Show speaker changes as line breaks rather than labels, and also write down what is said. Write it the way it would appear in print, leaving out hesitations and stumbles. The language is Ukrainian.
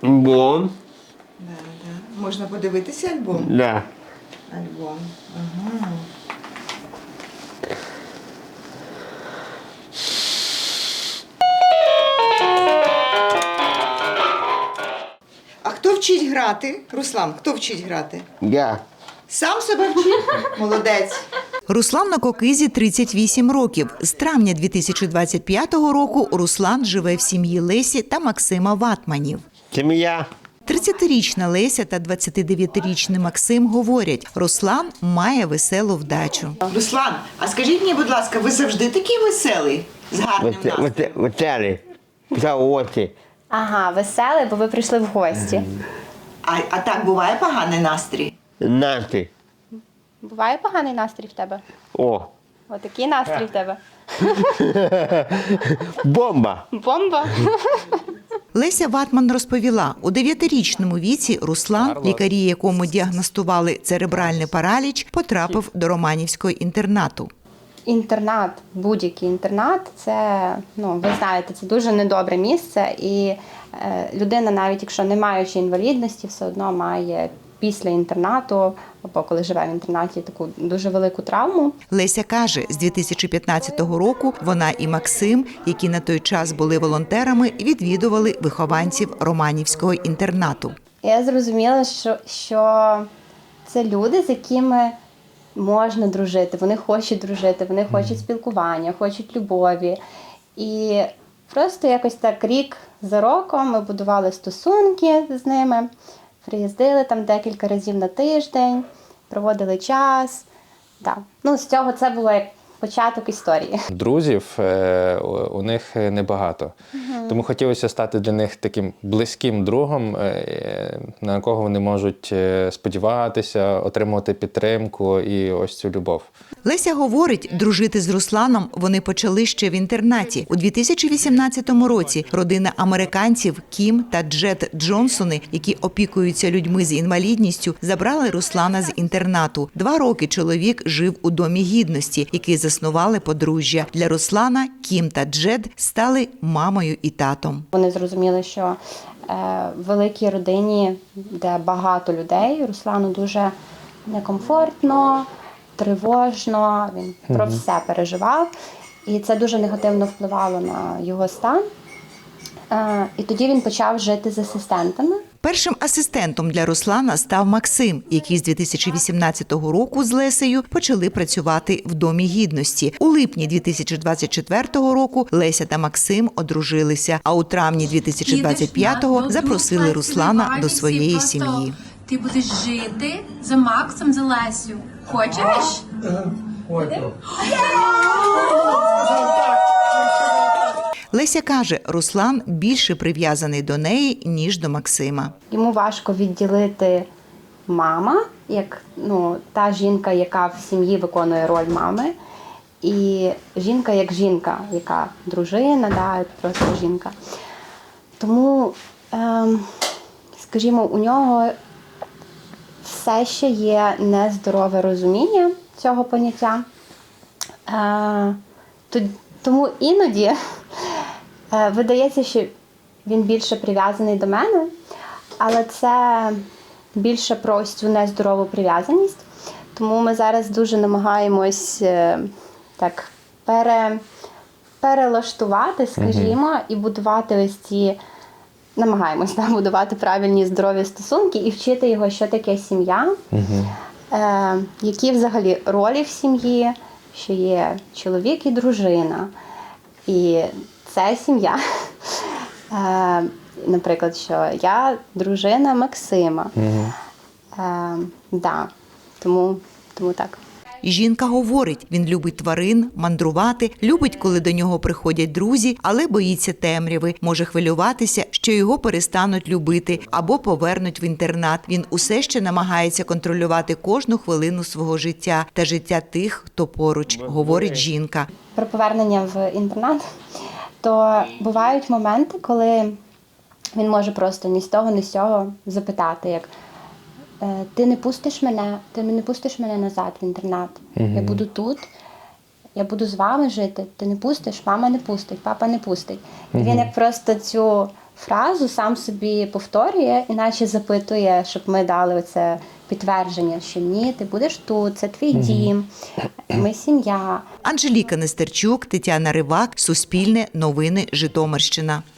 Альбом.
Да, да. Можна подивитися альбом?
Да.
Альбом. Ага. А хто вчить грати? Руслан, хто вчить грати?
Я.
Сам себе вчить? Молодець.
Руслан на Кокизі 38 років. З травня 2025 року Руслан живе в сім'ї Лесі та Максима Ватманів.
Сім'я.
30-річна Леся та 29-річний Максим говорять, Руслан має веселу вдачу.
Руслан, а скажіть мені, будь ласка, ви завжди такий веселий? З гарним настроєм?
Веселий. За очі.
Ага, веселий, бо ви прийшли в гості.
А так буває поганий настрій?
Настрій.
Буває поганий настрій в тебе?
О.
Отакий настрій в тебе.
Бомба.
Бомба.
Леся Ватман розповіла, у 9-річному віці Руслан, лікарі якому діагностували церебральний параліч, потрапив до Романівського інтернату.
Інтернат, будь-який інтернат, це, ви знаєте, це дуже недобре місце. І людина, навіть якщо не маючи інвалідності, все одно має після інтернату, або коли живе в інтернаті, таку дуже велику травму.
Леся каже, з 2015 року вона і Максим, які на той час були волонтерами, відвідували вихованців Романівського інтернату.
Я зрозуміла, що це люди, з якими можна дружити, вони хочуть дружити, вони хочуть спілкування, хочуть любові. І просто якось так рік за роком ми будували стосунки з ними, приїздили там декілька разів на тиждень, проводили час. Да. З цього це було як початок історії.
Друзів у них небагато. Тому хотілося стати для них таким близьким другом, на кого вони можуть сподіватися, отримувати підтримку і ось цю любов.
Леся говорить, дружити з Русланом вони почали ще в інтернаті. У 2018 році родина американців Кім та Джет Джонсони, які опікуються людьми з інвалідністю, забрали Руслана з інтернату. 2 роки чоловік жив у Домі гідності, який заснували подружжя. Для Руслана Кім та Джет стали мамою і татом.
Вони зрозуміли, що в великій родині, де багато людей, Руслану дуже некомфортно, тривожно, він про все переживав. І це дуже негативно впливало на його стан. І тоді він почав жити з асистентами.
Першим асистентом для Руслана став Максим, який з 2018 року з Лесею почали працювати в Домі гідності. У липні 2024 року Леся та Максим одружилися, а у травні 2025-го запросили Руслана до своєї сім'ї.
Ти будеш жити за Максом, за Лесю. Хочеш?
Леся каже, Руслан більше прив'язаний до неї, ніж до Максима.
Йому важко відділити мама, як та жінка, яка в сім'ї виконує роль мами, і жінка як жінка, яка дружина, просто жінка. Тому, скажімо, у нього все ще є нездорове розуміння цього поняття. Тому іноді видається, що він більше прив'язаний до мене, але це більше про ось цю нездорову прив'язаність. Тому ми зараз дуже намагаємось так перелаштувати, скажімо, і будувати ось ці, намагаємось будувати правильні здорові стосунки і вчити його, що таке сім'я, які взагалі ролі в сім'ї, що є чоловік і дружина. І це сім'я. Наприклад, що я дружина Максима. Тому так.
Жінка говорить, він любить тварин, мандрувати, любить, коли до нього приходять друзі, але боїться темряви, може хвилюватися, що його перестануть любити або повернуть в інтернат. Він усе ще намагається контролювати кожну хвилину свого життя та життя тих, хто поруч, говорить жінка.
Про повернення в інтернат, то бувають моменти, коли він може просто ні з того, ні з цього запитати, як ти не пустиш мене назад в інтернат. Я буду тут, я буду з вами жити. Ти не пустиш, мама не пустить, папа не пустить. І він як просто цю фразу сам собі повторює, іначе запитує, щоб ми дали оце підтвердження, що ні, ти будеш тут, це твій дім, ми сім'я.
Анжеліка Нестерчук, Тетяна Ривак, Суспільне, Новини, Житомирщина.